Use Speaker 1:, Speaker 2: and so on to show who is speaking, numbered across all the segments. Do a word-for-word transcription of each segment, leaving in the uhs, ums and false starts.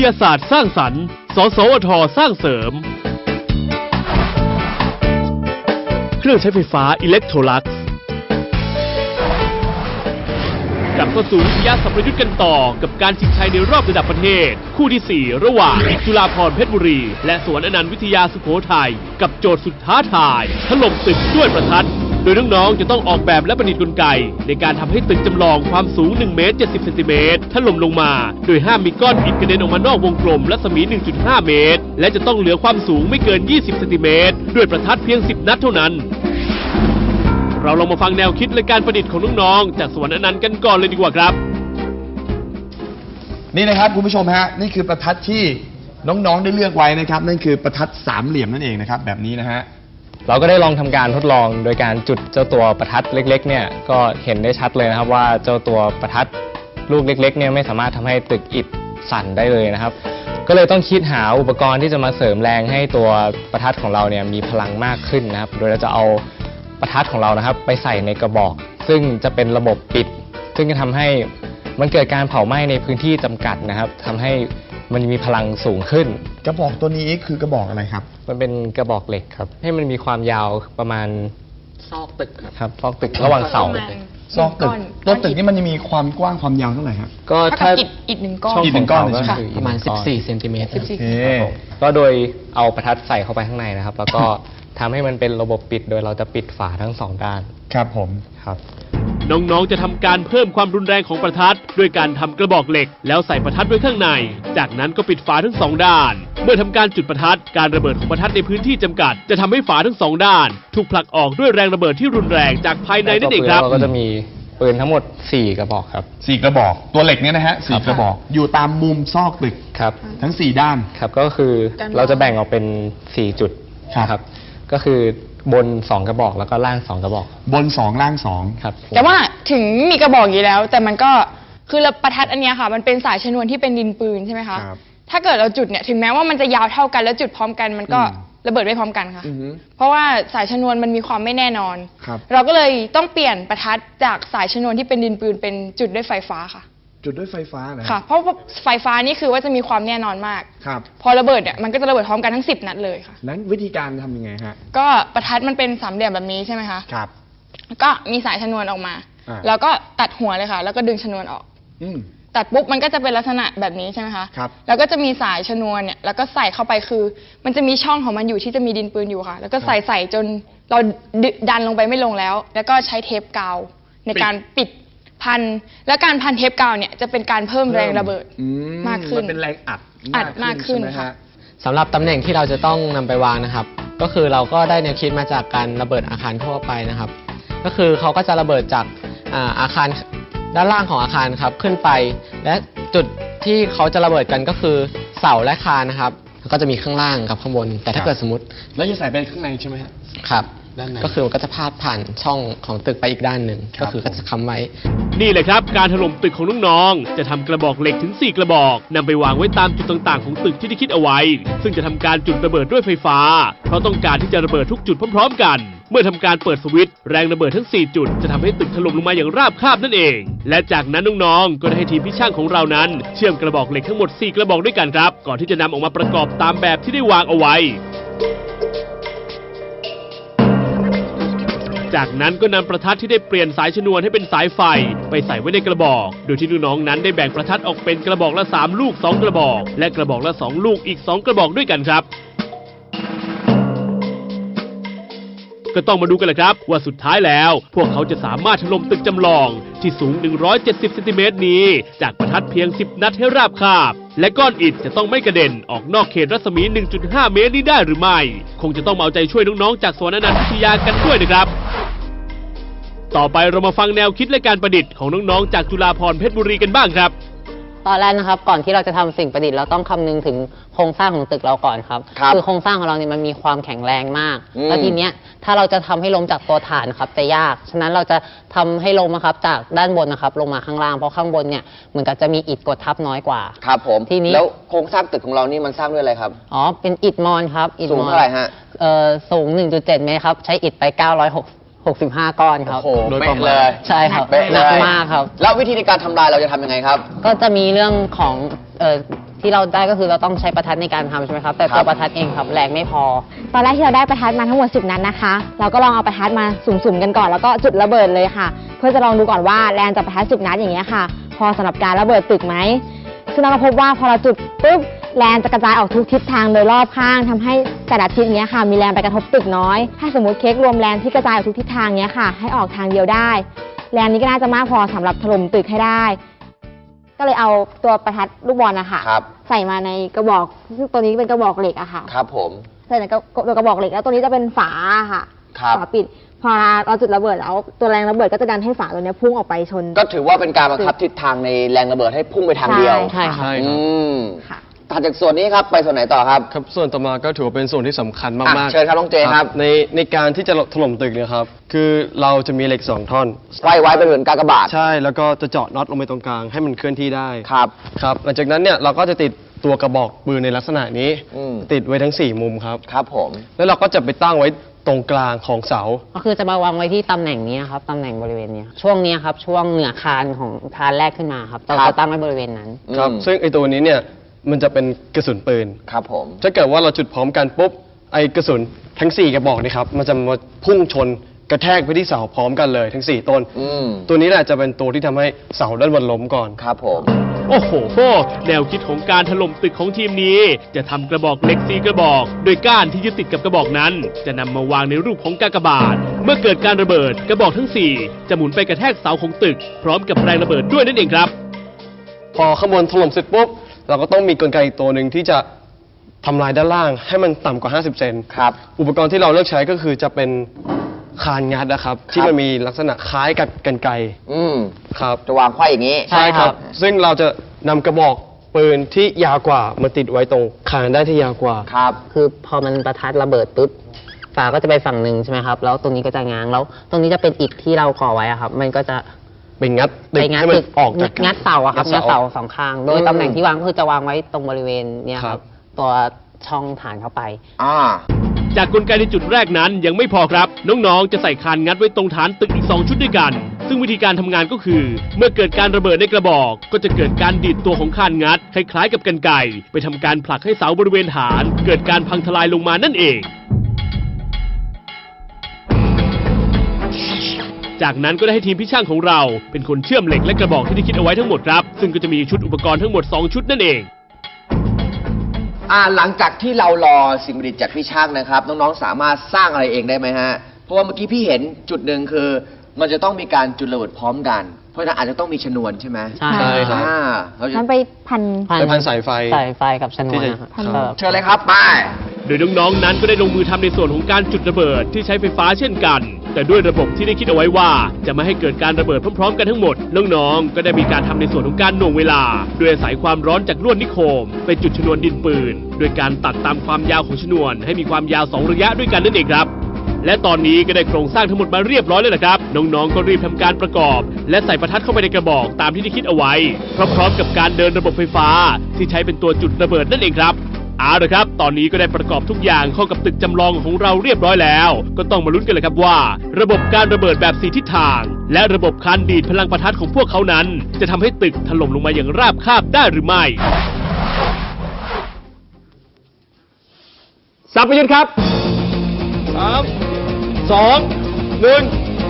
Speaker 1: ยาศาสตร์สร้างสรรค์สสวทสร้างเสริมเครื่องใช้ไฟฟ้าอิเล็กโทรลักซ์กลับเข้าสู่วิทยาสัมพยุทธ์กันต่อกับการชิงชัยในรอบระดับประเทศคู่ที่สี่ระหว่างจุฬาภรณ์เพชรบุรีและสวนอนันต์วิทยาสุโขทัยกับโจทย์สุดท้าทายถล่มตึกด้วยประทัดโดยน้องๆจะต้องออกแบบและประดิษฐ์กลไกในการทำให้ตึกจำลองความสูงหนึ่งเมตรเจ็ดสิบเซนติเมตรถล่มลงมาโดยห้ามมีก้อนอิฐกระเด็นออกมานอกวงกลมรัศมี หนึ่งจุดห้า เมตรและจะต้องเหลือความสูงไม่เกินยี่สิบเซนติเมตรด้วยประทัดเพียงสิบนัดเท่านั้นเราลองมาฟังแนวคิดและการประดิษฐ์ของน้องๆจากสวนอนันต์กันก่อนเลยดีกว่าครับ
Speaker 2: นี่นะครับคุณผู้ชมฮะนี่คือประทัดที่น้องๆได้เลือกไว้นะครับนั่นคือประทัดสามเหลี่ยมนั่นเองนะครับแบบนี้นะฮะ
Speaker 3: เราก็ได้ลองทำการทดลองโดยการจุดเจ้าตัวประทัดเล็กๆเนี่ยก็เห็นได้ชัดเลยนะครับว่าเจ้าตัวประทัดลูกเล็กๆเนี่ยไม่สามารถทำให้ตึกอิฐสั่นได้เลยนะครับก็เลยต้องคิดหาอุปกรณ์ที่จะมาเสริมแรงให้ตัวประทัดของเราเนี่ยมีพลังมากขึ้นนะครับโดยเราจะเอาประทัดของเรานะครับไปใส่ในกระบอกซึ่งจะเป็นระบบปิดซึ่งจะทำให้มันเกิดการเผาไหม้ในพื้นที่จำกัดนะครับทำให้มันมีพลังสูงขึ้น
Speaker 2: กระบอกตัวนี้คือกระบอกอะไรครับ
Speaker 3: มันเป็นกระบอกเหล็กครับให้มันมีความยาวประมาณ
Speaker 4: ซอกตึก
Speaker 3: ครับซอกตึกระหว่างเสา
Speaker 2: ซอกตึกตัวตึกนี่มันจะมีความกว้างความยาวเท่าไหร่ครับ
Speaker 5: ก็ถ้าอิฐหนึ่งก้อน
Speaker 2: อิฐหนึ่งก้อน
Speaker 4: ประมาณสิบสี่เซนติเมตร
Speaker 3: ก็โดยเอาประทัดใส่เข้าไปข้างในนะครับแล้วก็ทำให้มันเป็นระบบปิดโดยเราจะปิดฝาทั้งสองด้าน
Speaker 2: ครับผม
Speaker 3: ครับ
Speaker 1: น้องๆจะทำการเพิ่มความรุนแรงของประทัดด้วยการทำกระบอกเหล็กแล้วใส่ประทัดไว้ข้างในจากนั้นก็ปิดฝาทั้งสองด้านเมื่อทำการจุดประทัดการระเบิดของประทัดในพื้นที่จำกัดจะทำให้ฝาทั้งสองด้านถูกผลักออกด้วยแรงระเบิดที่รุนแรงจากภายในนั่นเองครับ
Speaker 3: เราก็จะมีปืนทั้งหมดสี่กระบอกครับ
Speaker 2: สี่กระบอกตัวเหล็กเนี่ยนะฮะสี่กระบอกอยู่ตามมุมซอกตึก
Speaker 3: ครับ
Speaker 2: ทั้งสี่ด้าน
Speaker 3: ครับก็คือเราจะแบ่งออกเป็นสี่จุดครับก็คือบนสองกระบอกแล้วก็ล่างสองกระบอก
Speaker 2: บนสองล่างสอง
Speaker 3: ครับ
Speaker 5: แต่ว่าถึงมีกระบอกอยู่แล้วแต่มันก็คือประทัดอันนี้ค่ะมันเป็นสายชนวนที่เป็นดินปืนใช่ไหมคะถ้าเกิดเราจุดเนี่ยถึงแม้ว่ามันจะยาวเท่ากันแล้วจุดพร้อมกันมันก็ระเบิดไม่พร้อมกันค่ะเพราะว่าสายชนวนมันมีความไม่แน่นอนเราก็เลยต้องเปลี่ยนประทัดจากสายชนวนที่เป็นดินปืนเป็นจุดด้วยไฟฟ้าค่ะ
Speaker 2: จุดด้วยไฟฟ้านะ
Speaker 5: ค่ะเพราะไฟฟ้านี่คือว่าจะมีความแน่นอนมาก
Speaker 2: ครับ
Speaker 5: พอระเบิดเนี่ยมันก็จะระเบิดพร้อมกันทั้งสิบนัดเลยค่ะ
Speaker 2: นั้นวิธีการทำยังไงฮะ
Speaker 5: ก็ประทัดมันเป็นสามเหลี่ยมแบบนี้ใช่ไหมคะ
Speaker 2: ครับ
Speaker 5: ก็มีสายชนวนออกมาแล้วก็ตัดหัวเลยค่ะแล้วก็ดึงชนวนออกตัดปุ๊บมันก็จะเป็นลักษณะแบบนี้ใช่ไหมคะ
Speaker 2: ครับ
Speaker 5: แล้วก็จะมีสายชนวนเนี่ยแล้วก็ใส่เข้าไปคือมันจะมีช่องของมันอยู่ที่จะมีดินปืนอยู่ค่ะแล้วก็ใส่ใส่จนเราดันลงไปไม่ลงแล้วแล้วก็ใช้เทปกาวในการปิดพันและการพันเทปกาวเนี่ยจะเป็นการเพิ่มแรงระเบิดมากขึ้น
Speaker 2: มันเป็นแรงอัด
Speaker 5: อัดมากขึ้นค่ะ
Speaker 4: สำหรับตำแหน่งที่เราจะต้องนำไปวางนะครับก็คือเราก็ได้แนวคิดมาจากการระเบิดอาคารทั่วไปนะครับก็คือเขาก็จะระเบิดจากอาคารด้านล่างของอาคารครับขึ้นไปและจุดที่เขาจะระเบิดกันก็คือเสาและคานนะครับก็จะมีข้างล่างกับข้างบนแต่ถ้าเกิดสมมติ
Speaker 2: แล้วจะใส่ไปข้างในใช่ไหม
Speaker 4: ครับก็คือมันก็จะพาดผ่านช่องของตึกไปอีกด้านหนึ่งก็คือก็จะค้ำไว้
Speaker 1: นี่แหละครับการถล่มตึกของน้องๆจะทำกระบอกเหล็กถึงสี่กระบอกนำไปวางไว้ตามจุดต่างๆของตึกที่ได้คิดเอาไว้ซึ่งจะทำการจุดระเบิดด้วยไฟฟ้าเพราะต้องการที่จะระเบิดทุกจุดพร้อมๆกันเมื่อทำการเปิดสวิตช์แรงระเบิดทั้งสี่จุดจะทำให้ตึกถล่มลงมาอย่างราบคาบนั่นเองและจากนั้นน้องๆก็ได้ให้ทีมพิช่างของเรานั้นเชื่อมกระบอกเหล็กทั้งหมดสี่กระบอกด้วยกันครับก่อนที่จะนำออกมาประกอบตามแบบที่ได้วางเอาไว้จากนั้นก็นำประทัดที่ได้เปลี่ยนสายชนวนให้เป็นสายไฟไปใส่ไว้ในกระบอกโดยที่น้องๆนั้นได้แบ่งประทัดออกเป็นกระบอกละสามลูกสองกระบอกและกระบอกละสองลูกอีกสองกระบอกด้วยกันครับก็ต้องมาดูกันแหละครับว่าสุดท้ายแล้วพวกเขาจะสามารถถล่มตึกจำลองที่สูงหนึ่งร้อยเจ็ดสิบเซนติเมตรนี้จากประทัดเพียงสิบนัดให้ราบคาบและก้อนอิฐจะต้องไม่กระเด็นออกนอกเขตรัศมี หนึ่งจุดห้า เมตรนี้ได้หรือไม่คงจะต้องเอาใจช่วยน้องๆจากสวนอนันต์วิทยากันด้วยนะครับต่อไปเรามาฟังแนวคิดและการประดิษฐ์ของน้องๆจากจุฬาภรณ์เพชรบุรีกันบ้างครับ
Speaker 6: ตอนแรกนะครับก่อนที่เราจะทำสิ่งประดิษฐ์เราต้องคำนึงถึงโครงสร้างของตึกเราก่อนครับคือโครงสร้างของเราเนี่ยมันมีความแข็งแรงมากแล้วทีเนี้ยถ้าเราจะทำให้ล้มจากตัวฐานครับจะยากฉะนั้นเราจะทำให้ล้มนะครับจากด้านบนนะครับลงมาข้างล่างเพราะข้างบนเนี่ยเหมือนกับจะมีอิฐกดทับน้อยกว่า
Speaker 7: ครับผมทีนี้แล้วโครงสร้างตึกของเรานี่มันสร้างด้วยอะไรครับ
Speaker 6: อ๋อเป็นอิฐมอนครับ
Speaker 7: สูงเท่าไหร่ฮะ
Speaker 6: เอ่อสูง หนึ่งจุดเจ็ด เมตรครับใช้อิฐไปเก้าร้อยหกสิบห้าก้อนครับ
Speaker 7: โอ้โหเป๊ะเลย
Speaker 6: ใช่ครับหนักมากครับ
Speaker 7: แล้ววิธีในการทำลายเราจะทำยังไงครับ
Speaker 6: ก็จะมีเรื่องของเอ่อที่เราได้ก็คือเราต้องใช้ประทัดในการทำใช่ไหมครับแต่ตัวประทัดเองครับแรงไม่พอ
Speaker 8: ตอนแรกที่เราได้ประทัดมาทั้งหมดสิบนัดนะคะ เราก็ลองเอาประทัดมาสุ่มๆกันก่อนแล้วก็จุดระเบิดเลยค่ะ เพื่อจะลองดูก่อนว่าแรงจากประทัดสิบนัดอย่างเงี้ยค่ะ พอสำหรับการระเบิดตึกไหมซึ่งเราก็พบว่าพอเราจุดปุ๊บแรงจะกระจายออกทุกทิศทางโดยรอบข้างทำให้แต่ละทิศเนี้ยค่ะมีแรงไปกระทบตึกน้อยถ้าสมมติเค้กรวมแรงที่กระจายออกทุกทิศทางเนี้ยค่ะให้ออกทางเดียวได้แรงนี้ก็น่าจะมากพอสำหรับถล่มตึกให้ได้ก็เลยเอาตัวประทัดลูกบอลนะคะใส่มาในกระบอกซึ่งตัวนี้เป็นกระบอกเหล็กอะค่ะ
Speaker 7: ครับผม
Speaker 8: ใส่ในกระตัวกระบอกเหล็กแล้วตัวนี้จะเป็นฝาค่ะ
Speaker 7: ครับ
Speaker 8: ฝาปิดพอเราจุดระเบิดแล้วตัวแรงระเบิดก็จะดันให้ฝาตัวเนี้ยพุ่งออกไปชน
Speaker 7: ก็ถือว่าเป็นการบังคับทิศทางในแรงระเบิดให้พุ่งไปทางเดียว
Speaker 8: ใช่ค่ะ
Speaker 7: อืม
Speaker 8: ค่ะ
Speaker 7: ถัดจากส่วนนี้ครับไปส่วนไหนต่อครับ
Speaker 9: ครับส่วนต่อมาก็ถือว่าเป็นส่วนที่สำคัญมาก
Speaker 7: อ่ะ
Speaker 9: ๆ
Speaker 7: เชิญครับน้องเจครับ
Speaker 9: ในในการที่จะถล่มตึกเนี่ยครับคือเราจะมีเหล็กสองท่อน
Speaker 7: ไว้ไว้เป็นเหมือนกากบาท
Speaker 9: ใช่แล้วก็จะเจาะน็อตลงไปตรงกลางให้มันเคลื่อนที่ได้
Speaker 7: ครับ
Speaker 9: ครับหลังจากนั้นเนี่ยเราก็จะติดตัวกระบอกปืนในลักษณะนี้
Speaker 7: อืม
Speaker 9: ติดไว้ทั้งสี่มุมครับ
Speaker 7: ครับผม
Speaker 9: แล้วเราก็จะไปตั้งไว้ตรงกลางของเสา
Speaker 6: ก็คือจะมาวางไว้ที่ตำแหน่งนี้ครับตำแหน่งบริเวณนี้ช่วงนี้ครับช่วงเหนือคานของคานแรกขึ้นมาครับเรา
Speaker 7: ครับ
Speaker 6: จะตั้งไว้บริเวณนั้น
Speaker 9: ครับ
Speaker 7: อืม
Speaker 9: ซึ่งไอตัวนี้เนี่ยมันจะเป็นกระสุนปืน
Speaker 7: ครับผม
Speaker 9: ถ้าเกิดว่าเราจุดพร้อมกันปุ๊บไอกระสุนทั้งสี่กระบอกนี่ครับมันจะมาพุ่งชนกระแทกไปที่เสาพร้อมกันเลยทั้งสี่ต้น
Speaker 7: อืม
Speaker 9: ตัวนี้แหละจะเป็นตัวที่ทำให้เสาด้านบนล้มก่อน
Speaker 7: ครับผม
Speaker 1: โอ้โห แนวคิดของการถล่มตึกของทีมนี้ จะทำกระบอกเหล็กสี่กระบอก โดยก้านที่ยึดติดกับกระบอกนั้น จะนำมาวางในรูปของกากบาท เมื่อเกิดการระเบิดกระบอกทั้งสี่จะหมุนไปกระแทกเสาของตึก พร้อมกับแรงระเบิดด้วยนั่นเองครับ
Speaker 9: พอข้างบนถล่มเสร็จปุ๊บเราก็ต้องมีกลไกอีกตัวหนึ่งที่จะทำลายด้านล่างให้มันต่ำกว่าห้าสิบเซน
Speaker 7: ครับ
Speaker 9: อุปกรณ์ที่เราเลือกใช้ก็คือจะเป็นคานงัดนะครับ ที่มันมีลักษณะคล้ายกับกรรไกร
Speaker 7: อืม
Speaker 9: ครับ
Speaker 7: จะวางไขว้อย่างนี้
Speaker 6: ใช่ครับ
Speaker 9: ซึ่งเราจะนำกระบอกปืนที่ยาวกว่ามาติดไว้ตรงคานได้ที่ยาวกว่า
Speaker 7: ครับ
Speaker 6: คือพอมันประทัดระเบิดปุ๊บฝาก็จะไปฝั่งหนึ่งใช่ไหมครับแล้วตรงนี้ก็จะง้างแล้วตรงนี้จะเป็นอิฐที่เราก่อไว้อะครับมันก็จะ
Speaker 9: เป็นงัดตึ
Speaker 6: ไป
Speaker 9: ก
Speaker 6: งัด
Speaker 9: ให้มัน
Speaker 6: ตึก
Speaker 9: ออกจาก
Speaker 6: งัดเสาอะครับ
Speaker 9: งั
Speaker 6: งั
Speaker 9: ด
Speaker 6: ด
Speaker 9: เสา
Speaker 6: เสาสองข้าง โดยตำแหน่งที่วางก็คือจะวางไว้ตรงบริเวณเนี้ยค
Speaker 9: ครั
Speaker 6: รับบ ตัวช่องฐานเข้าไป
Speaker 7: อ่า
Speaker 1: จากกลไกในจุดแรกนั้นยังไม่พอครับ น้องๆ จะใส่คานงัดไว้ตรงฐานตึกอีกสองชุดด้วยกัน ซึ่งวิธีการทำงานก็คือ เมื่อเกิดการระเบิดในกระบอก ก็จะเกิดการดีดตัวของคานงัดคล้ายๆกับกรรไกรไปทำการผลักให้เสาบริเวณฐาน เกิดการพังทลายลงมานั่นเอง จากนั้นก็ได้ให้ทีมพี่ช่างของเราเป็นคนเชื่อมเหล็กและกระบอกที่ได้คิดเอาไว้ทั้งหมดครับ ซึ่งก็จะมีชุดอุปกรณ์ทั้งหมดสองชุดนั่นเอง
Speaker 7: อ่าหลังจากที่เรารอสิ่งประดิษฐ์จากพี่ช่างนะครับ น้องๆสามารถสร้างอะไรเองได้ไหมฮะ เพราะว่าเมื่อกี้พี่เห็นจุดหนึ่งคือ มันจะต้องมีการจุดระเบิดพร้อมกัน เพราะฉะนั้นอาจจะต้องมีชนวนใช่ไหม
Speaker 6: ใช่
Speaker 9: ใช่ครับ
Speaker 7: อ่าเราจะ
Speaker 8: นั้นไปพัน
Speaker 9: ไปพันสายไฟ
Speaker 6: สายไฟกับชนวนนะครับ
Speaker 8: ที่จะ
Speaker 6: ครับ
Speaker 7: เชิญเลยครับไป
Speaker 1: โดยน้องๆ นั้นก็ได้ลงมือทำในส่วนของการจุดระเบิดที่ใช้ไฟฟ้าเช่นกัน แต่ด้วยระบบที่ได้คิดเอาไว้ว่า จะไม่ให้เกิดการระเบิดพร้อมๆ กันทั้งหมด น้องๆ ก็ได้มีการทำในส่วนของการหน่วงเวลา โดยอาศัยความร้อนจากลวดนิโคมไปจุดชนวนดินปืน โดยการตัดตามความยาวของชนวนให้มีความยาวสองระยะด้วยกันนั่นเองครับ และตอนนี้ก็ได้โครงสร้างทั้งหมดมาเรียบร้อยแล้วนะครับ น้องๆ ก็รีบทำการประกอบ และใส่ประทัดเข้าไปในกระบอกตามที่ได้คิดเอาไว้ พร้อมๆ กับการเดินระบบไฟฟ้าที่ใช้เป็นตัวจุดระเบิดนั่นเองครับเอาละครับ ตอนนี้ก็ได้ประกอบทุกอย่างเข้ากับตึกจำลองของเราเรียบร้อยแล้ว ก็ต้องมาลุ้นกันเลยครับว่า ระบบการระเบิดแบบสี่ทิศทาง และระบบการดีดพลังประทัดของพวกเขานั้น จะทำให้ตึกถล่มลงมาอย่างราบคาบได้หรือไม่สับประยุทธ์ครับสามสองหนึ่ง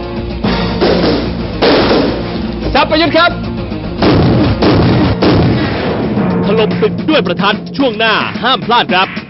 Speaker 1: สับประยุทธ์ครับถล่มตึกด้วยประทัดช่วงหน้าห้ามพลาดครับ